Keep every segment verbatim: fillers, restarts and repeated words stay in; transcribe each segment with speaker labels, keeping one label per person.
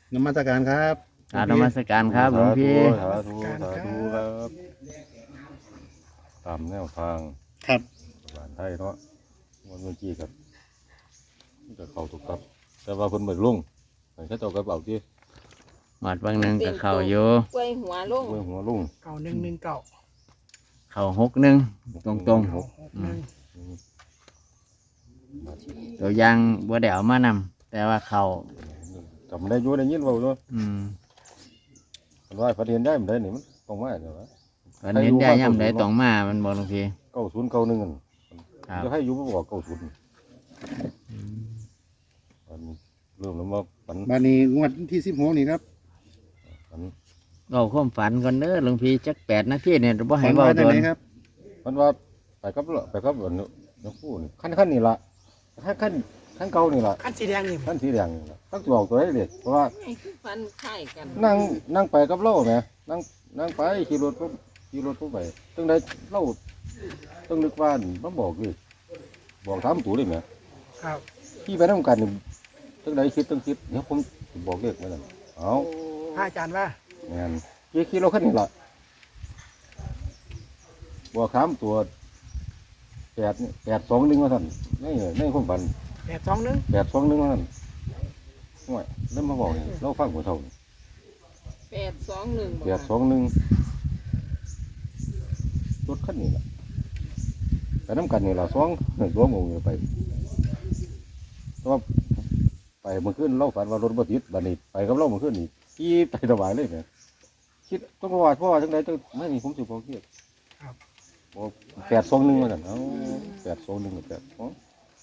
Speaker 1: นมัสการครับ
Speaker 2: กราบนมัสการครับหลวงพี่
Speaker 3: สาธุสาธุครับตามแนวทาง
Speaker 1: ครับ
Speaker 3: บ้านไทยเนาะวันเมื่อกี้กับจะเข้าถูกครับ แต่ว่าคนเบิกลุงแต่แค่เจ้ากับเอาที่
Speaker 2: หวัดบางหนึ่งกับเขาอยู่
Speaker 4: กล้วยหัวลง
Speaker 3: เมื่อหัวลุง
Speaker 5: เก่าหนึ่งหนึ่งเก่า
Speaker 2: เขาหกหนึ่งตรงตรง
Speaker 5: หกหนึ่ง
Speaker 2: ๆตัวอยางบัวเดวมานำแต่ว่าเขา
Speaker 3: จำได้อยุ่ได้ยินเบาด้วย
Speaker 2: อืม
Speaker 3: มันว่าฝันเห็นได้มันได้นี่มันต้องมาเดี๋ยวนะ
Speaker 2: วันเห็นได้ย่ำได้ต้องมามันบอกหลวงพี่
Speaker 3: เก้าศูนย์เก้าหนึ่ง
Speaker 2: ครับ
Speaker 3: จะให้อยู่บ่บอกเก้าศูนย์อันนี้เริ่มแล้วมาฝัน
Speaker 1: บานนี้งวดที่สิบหกนี่ครับ
Speaker 3: ฝัน
Speaker 2: เราความฝันก่อนเด้อหลวงพี่จักแปดนาทีเนี่ยบ่ให้
Speaker 1: ฝัน
Speaker 2: เบา
Speaker 1: ว่า
Speaker 2: โด
Speaker 1: จัง
Speaker 2: น
Speaker 1: ไหนครับ
Speaker 3: มันว่าไปกับเลไปกับอันน้องผู้นี่ขั้นขั้นนี่ละขั้นขั้นขั้นเก่านี่ละ
Speaker 5: ขั้นสีแดงนี่
Speaker 3: ขั้นสีแดงนี่ละตั้งตัวออกตัวได้เลยเพราะว่า
Speaker 4: ไอ้คือฟันไข่กัน
Speaker 3: นั่งนั่งไปกับเล่าไหมนั่งนั่งไปขี่รถปุ๊บขี่รถปุ๊บไปตั้งได้เล่าต้องนึกว่ามันบอกเลยบอกถามตัวเลยไหม
Speaker 5: ครับ
Speaker 3: ขี่ไปน้ำกันนี่ตั้งได้คิดตั้งคิดเดี๋ยวผมสิบอกเลขไว้นั่นเอา
Speaker 5: พระอาจารย์ว่า
Speaker 3: แม่นขี่ขี่รถคันนี้ละบอกถามตัวแปดนี่แปดสองหนึ่งว่าท่านนี่ในความฝัน
Speaker 5: แปดสองหนึ่ง
Speaker 3: แปดสองหนึ่งว่าท่านห่วยเริ่มมาบอกนี่เราฟังหัวเท่านี่
Speaker 4: แปดสองหนึ่ง
Speaker 3: แปดสองหนึ่งรถคันนี้ละไปน้ำกันนี่ละสองตัวงงอยู่ไปแต่ว่าไปเมื่อคืนเราฝันว่ารถบัติดบัดนี้ไปกับเราเมื่อคืนนี่ขี่ไปสบายเลยเนี่ยคิดต้องว่าเพราะว่าจังใดจังไม่นี่ผมสิบอกเกียบอกแปดสองหนึ่งมากันเอาแปดสองหนึ่งแปดสอง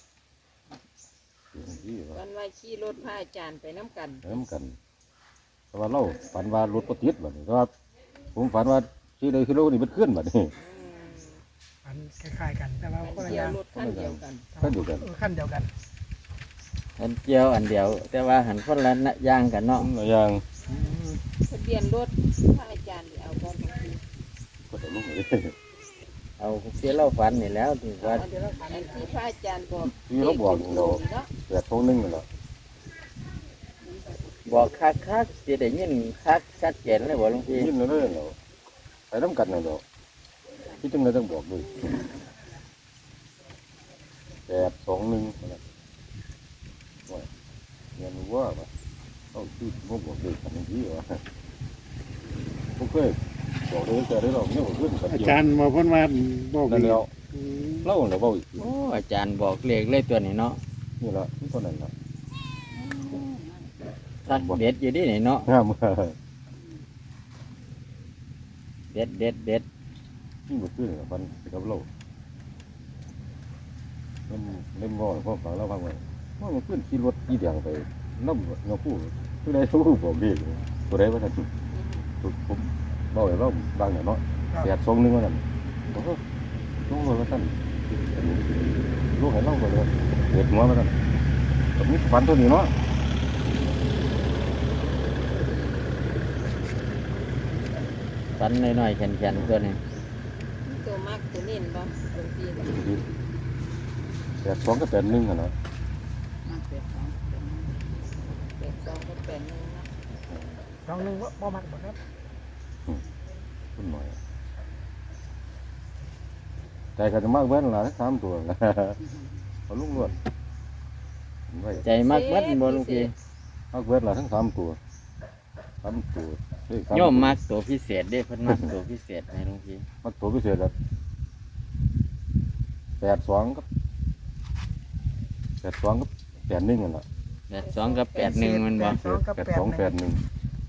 Speaker 3: ที่ว่า
Speaker 4: วันว่าขี่รถพระอาจารย์ไปน้ำกัน
Speaker 3: ไปน้ำกันแต่ว่าเราฝันว่ารถบัติดบัดนี้แต่ว่าผมฝันว่าที่ใดคือรถนี่มันเคลื่อนบัดนี้
Speaker 4: อืม
Speaker 5: มันคล้ายๆกัน แต่ว่าคนละ
Speaker 4: เกี่
Speaker 5: อ
Speaker 4: ยว
Speaker 5: ย่าง
Speaker 4: รถขั้นเดียวกัน
Speaker 3: ก็อยู่กัน
Speaker 5: เออขั้นเดียวกัน
Speaker 2: อันเจียวอันเดียว แต่ว่าหันคนละอย่างกันเนาะ
Speaker 3: หลายอย่าง
Speaker 4: ทะเบียนรถพระอาจารย์นี่เอาบอลของพี่
Speaker 3: ก็จะลุกเลย
Speaker 2: เอาเสียเล่าฝันนี่แล้วถือว่า
Speaker 5: เดี๋ยวเราขัน
Speaker 4: อันที่พระอาจารย์บอก
Speaker 3: ที่เขาบอกนี่เรา
Speaker 4: เนาะ
Speaker 3: แปดสองหนึ่งนี่แหละ
Speaker 2: บอกคักคักๆจะได้ยินคักชัดเจนเลยบอกหลวงพี่
Speaker 3: ยินเลยเราไปน้ำกันนี่เราที่จังเลยต้องบอกด้วยแปดสองหนึ่งนะว่าเงินว่าปะเอาที่ผมบอกด้วยกันที่ว่าผมเคยบอกเลยแต่ได้เราเนี่ยผมขึ้นกัน
Speaker 1: อา
Speaker 3: เดียว
Speaker 1: จารย์มาเพิ่นว่าบอก
Speaker 3: นั่น
Speaker 1: อีก
Speaker 3: แล้ว
Speaker 1: อืม
Speaker 3: เล่าเราเบาอีก
Speaker 2: โอ้อาจารย์บอกเลขเลยตัวนี้เนาะ
Speaker 3: นี่ละที่ตัวนั้นละ
Speaker 2: ทักเด็ดอยู่ดินี่เนาะ
Speaker 3: งาม
Speaker 2: เด็ดเด็ดเด็ด
Speaker 3: ที่มันขึ้นกับมันกับเราเล่นเล่นบ่อพ่อฟังเราฟังไว้ว่ามันขึ้นขี่รถขี่แดงไปน้ำเงาผู้ตัวใดตัวผู้บอกดีตัวใดว่าท่านผมบอกให้เราบางอย่างเนาะแปดสองหนึ่งว่าท่านโอ้โหลูกว่าท่านลูกให้เราไปเลยเด็ดหัวว่าท่านแบบนี้ฟันตัวนี้เนาะ
Speaker 2: ฝันน้อยๆแข็งๆตัวนี้
Speaker 4: มีตัวมากตัวเน้นบ่หลวงพี่
Speaker 3: แปดสองกับแปดหนึ่งอะเนาะ
Speaker 4: แปดสองแปดสองก็แปดหนึ่งนะ
Speaker 5: สองหนึ่งว่าบ่มักบ่ครับ
Speaker 3: ขึ้นหน่อยใจกันจะมากเว้นละสามตัวนะเอาลูกลวดไว้
Speaker 2: ใจมากเบิดบ่หลวงพี่
Speaker 3: มากเว้นละทั้งสามตัวสามตัวเลขสา
Speaker 2: โยมมักตัวพิเศษเด้เพิ่นมักตัวพิเศษให้หลวงพี่
Speaker 3: มักตัวพิเศษแบบแปดสองกับแปดสองกับแปดหนึ่งกันละ
Speaker 2: แปดสองกับแปดหนึ่งมันบ่
Speaker 5: แปดสองกับ
Speaker 3: แปด
Speaker 5: แปด
Speaker 3: สอง
Speaker 5: ห
Speaker 3: แป
Speaker 5: นึ่
Speaker 3: ด
Speaker 5: ง
Speaker 3: หนึ่ง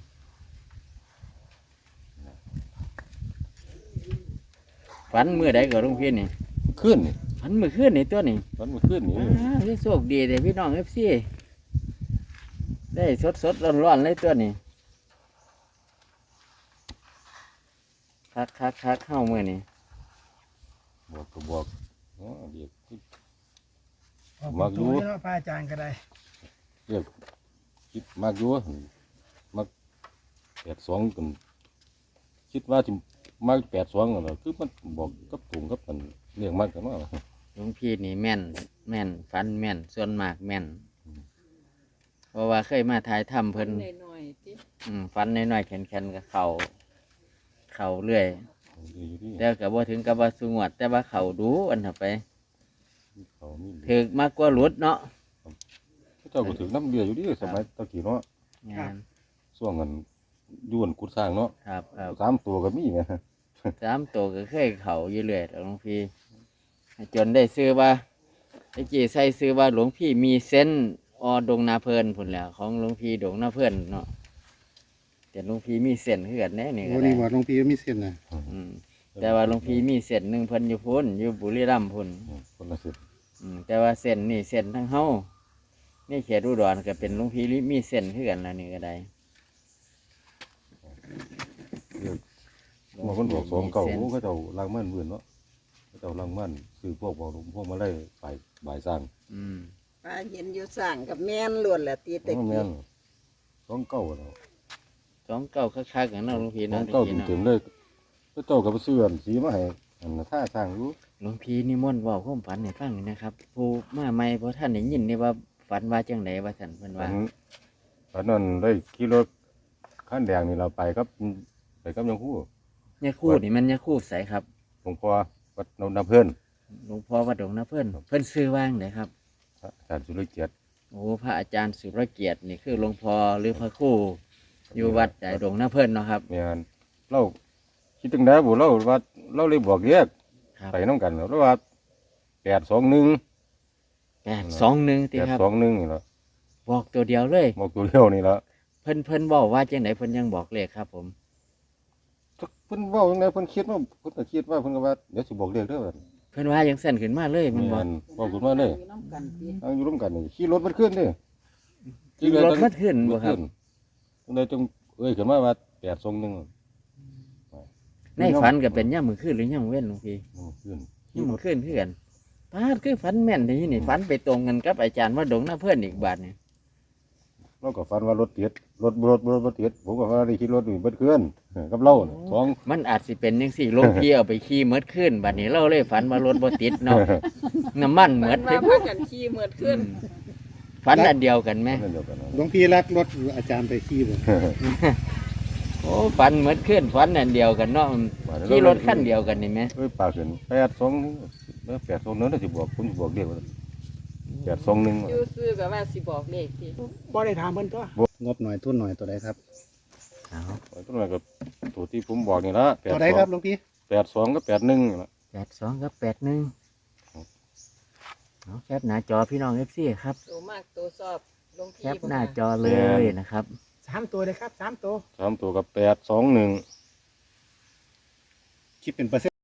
Speaker 2: ฝันมื้อใดก็หลวงพี่นี่
Speaker 3: ขึ้นนี่
Speaker 2: ฝันมื้อคืนนี่ตัวนี้
Speaker 3: มันมาขึ้นนี่
Speaker 2: อ้าวนี่โชคดีเลยพี่น้อง เอฟ ซี ได้สดสดร้อนร้อนๆเลยตัวนี้คักคักคักเข้ามือนี่
Speaker 3: บวกก็บวกอ๋อเดี๋ยว
Speaker 5: ออก
Speaker 3: มักอยู่
Speaker 5: ตัวนี่เนาะพระอาจารย์ก็ได้
Speaker 3: เรียกคิดมากอยู่มากแปดสองกันคิดว่าจะมากแปดสองกันเหรอคือมันบอกกับถุงกับมันเรียกมากกันว่า
Speaker 2: หลวงพี่นี่แม่น แม่นฝันแม่นส่วนมากแม่น เพราะว่าเคยมาถ่ายทำเพิ่น
Speaker 4: น้อยๆติ
Speaker 2: อืมฟันน้อยๆแข็งๆกับเข่าเข่าเรื่อย
Speaker 3: ดีอยู่ดี
Speaker 2: แต่ก็บ่ถึงกับว่าสูงวด แต่ว่าเข่าดูอันถัดไป
Speaker 3: เขามี
Speaker 2: ถึกมากกว่าหลุดเนาะ
Speaker 3: เจ้าก็ถึงน้ำเดืออยู่ดีสมัยตะกี้เนาะ
Speaker 2: งาน
Speaker 3: ช่วงกันย้วนกุดสร้างเนาะ
Speaker 2: ครับครับ
Speaker 3: สามตัวก็มีไง
Speaker 2: สามตัวก็เคยเข่าอยู่เรื่อยหลวงพี่จนได้ซื้อว่าไอ้จีใส่ซื้อว่าหลวงพี่มีเส้นอดงนาเพลินพุ่นแหล้วของหลวงพี่ดงนาเพลินเนาะแต่หลวงพี่มีเส้นคือกันแน่นี่
Speaker 1: โอ้
Speaker 2: ก็
Speaker 1: นี่
Speaker 2: ได้
Speaker 1: ว่าหลวงพี่มีเส้นน่ะ
Speaker 2: อืมแต่ว่าหลวงพี่มีเส้นหนึ่งเพิ่นอยู่พุ่นอยู่บุรีรัมย์พุ่น
Speaker 3: คนละสิบ
Speaker 2: อืมแต่ว่าเส้นนี่เส้นทั้งเฮานี่เขตอุดรก็เป็นหลวงพี่มีเส้นคือกันแล้วนี่ก็ได้
Speaker 3: บางคนบอกสองเก่าเขาเจ้าล้างมันเบื่อเนาะเขาเจ้าล้างมันคือพวกบอกพวกมาไล่ฝ่ายบ่ายสร้าง
Speaker 2: อืม
Speaker 4: ป้าเห็นอยู่สร้างกับแม่นล้วนแหละตีตะ
Speaker 3: แม่
Speaker 4: กี้
Speaker 3: นสองเก่าแล้ว
Speaker 2: สองเก้าคักๆกันเนาะหลวงพี่
Speaker 3: สอ
Speaker 2: เนาะ
Speaker 3: ง
Speaker 2: ตะ
Speaker 3: เก่า
Speaker 2: กี้เนาะ
Speaker 3: เต็มๆเลยเขาเจ้ากับเสื้อสีมาให้อันน่ะท่าสร้างอยู่
Speaker 2: หลวงพี่นิมนต์เว่าความฝันให้ฟังหน่อยนะครับผู้มาใหม่เพราะท่านได้ยินนี่ว่าฝันว่าจังไดว่าสันเพิ่น
Speaker 3: อั
Speaker 2: ว่า
Speaker 3: นอันนั้นได้ขี่รถขั้นแดงนี่เราไปครับไปกับยังคู่
Speaker 2: เนี่ยคู่นี่มันเนี่ยคู่ใสครับ
Speaker 3: หลวงพ่อวัดนนทเพื่อน
Speaker 2: หลวงพ่อวัดดงนะเพิ่นเพิ่นซื้อว่างไดครับ
Speaker 3: อาจารย์สุรเกียรติ
Speaker 2: โอ้พระอาจารย์สุรเกียรตินี่คือหลวงพ่อหรือพระครูอยู่วัดใหญ่ดงนะเพิ่นเนาะครับ
Speaker 3: เนี่ยเราคิดถึงได้บุเราว่าเราเลยบอกเรียก
Speaker 2: ครับ
Speaker 3: ไปน้องกันแล้วว่าแปดสองหนึ่ง
Speaker 2: แปดสองหนึ่ง
Speaker 3: แป
Speaker 2: ติ
Speaker 3: ด
Speaker 2: ครับ
Speaker 3: สองหนึ่งนี่ละ
Speaker 2: บอกตัวเดียวเลย
Speaker 3: บอกตัวเดียวนี่ละ
Speaker 2: เพิ่นเพิ่นบอกว่าจังไดเพิ่นยังบอกเลขครับ ผม
Speaker 3: เพิ่นเว่าจังไงเพิ่นคิดว่าเพิ่นก็คิดว่าเพิ่นก็ว่าเดี๋ยวสิบอกเรียกเด้อว่า
Speaker 2: เพิ่นว่ายังสั่นขึ้นมาเลยมันบอก
Speaker 3: นบอกขึ้นมาเลย
Speaker 4: อยู่น้ำกันติ
Speaker 3: เอาอยู่ร่วมกันนี่ขี่รถมันขึ้นเด้
Speaker 2: ขี่รถมันขึ้นบ่ครับ
Speaker 3: จังไดจงเอ้ยขึ้นมาว่าแปดสองหนึ่ง
Speaker 2: ในฝันก็เป็นย่ามมื้อคืนหรือย่ามมื้อเว้นหลวงพี่
Speaker 3: ขึ้น
Speaker 2: นี่มันขึ้นเพื่อนปาดคือฝันแม่นที่นี่ฝันไปตรงกันกับอาจารย์ว่าดงหน้าเพื่อนอีกบาทเนี่ย
Speaker 3: เราก็ฝันว่ารถติดรถรถรถรถติดผมก็ว่าได้ขี่รถนี่เบิดขึ้นกับเราน่ะสอง
Speaker 2: มันอาจสิเป็นยังสี่ลงพี่เอาไปขี่เมดขึ้นบัดนี้เราเลยฝันว่ารถบ่ติดเนาะน้ำมันเม
Speaker 4: เพิ่
Speaker 2: ด
Speaker 4: น
Speaker 2: เต็
Speaker 4: ว่าม พากันขี่เหมือดขึ้น
Speaker 2: ฝันอันเดียวกันไหม
Speaker 3: นั่นเดียวกันนะ
Speaker 1: หลวงพี่รักรถอาจารย์ไปขี่บ่
Speaker 2: โอ้ฝันเมดขึ้นฝันอันเดียวกันเนาะขี่รถขั้นเดียวกันนี่ไหม
Speaker 3: เอ้ยปากขึ้นแปดสองเมื่อแปดสองเนื้อน่าสิบอกผมสิบอกเดียวแปดสองหนึ่ง
Speaker 4: อยู่ซื้อก็ว่าสิบอกเลขติ
Speaker 5: บ่ได้ถามเพิ่นตัว
Speaker 1: งบหน่อยทุนหน่อยตัวใดครับ
Speaker 2: เอา
Speaker 3: ต้นไม้กับตัวที่ผมบอกนี่ละแปด
Speaker 1: ตัว
Speaker 3: ส
Speaker 1: ใด
Speaker 3: อง
Speaker 1: ครับหลวงพี่
Speaker 3: แปดสองกับแปดหนึ่งละ
Speaker 2: แปดสองกับแปดหนึ่งเอาแคปหน้าจอพี่น้องเอฟซีครับ
Speaker 4: ตัวมากตัวชอบลง
Speaker 2: แค
Speaker 4: ที่
Speaker 2: ปหน้าจอเลยนะครับ
Speaker 5: สามตัวเลยครับสามตัว
Speaker 3: สามตัวกับแปดสองหนึ่ง
Speaker 1: คิดเป็นเปอร์เซ็นต์